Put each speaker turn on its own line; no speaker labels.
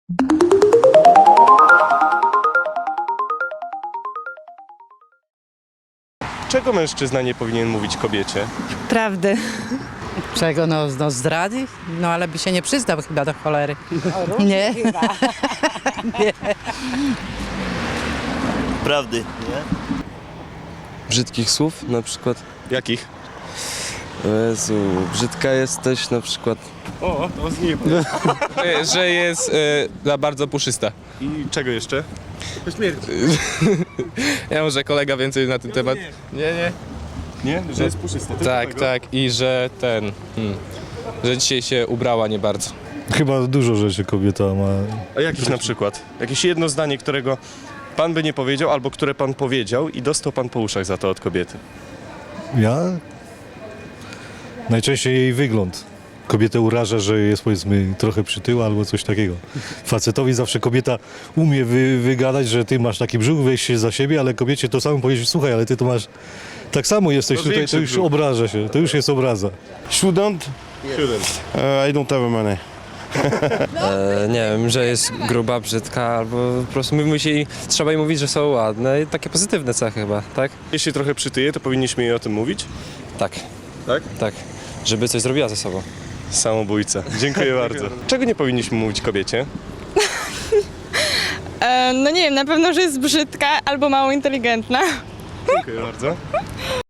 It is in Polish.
Czego mężczyzna nie powinien mówić kobiecie?
Prawdy.
Czego? No zdrady? No ale by się nie przyznał chyba do cholery. Nie?
Prawdy.
Brzydkich słów na przykład.
Jakich?
O Jezu, brzydka jesteś na przykład.
O, to z nim.
Że jest za bardzo puszysta.
I czego jeszcze?
Ja może kolega więcej na ten temat. Nie.
Nie? Że jest puszysty.
Tak, tak. I że że dzisiaj się ubrała nie bardzo.
Chyba dużo rzeczy kobieta ma.
A jakich na przykład? Jakieś jedno zdanie, którego pan by nie powiedział, albo które pan powiedział i dostał pan po uszach za to od kobiety.
Ja? Najczęściej jej wygląd. Kobietę uraża, że jest powiedzmy trochę przytyła albo coś takiego. Facetowi zawsze kobieta umie wygadać, że ty masz taki brzuch, weź się za siebie, ale kobiecie to samo powiedzieć, słuchaj, ale ty to masz, tak samo jesteś
To
tutaj,
większy
to już
brzuch.
obraża się, to już jest obraza.
Shouldn't?
Shouldn't.
I don't have money.
Nie wiem, że jest gruba, brzydka, albo po prostu trzeba jej mówić, że są ładne i takie pozytywne cechy chyba, tak?
Jeśli trochę przytyje, to powinniśmy jej o tym mówić?
Tak,
Tak?
tak. Żeby coś zrobiła ze sobą.
Samobójca. Dziękuję bardzo. Czego nie powinniśmy mówić kobiecie?
No nie wiem, na pewno, że jest brzydka albo mało inteligentna.
Dziękuję bardzo.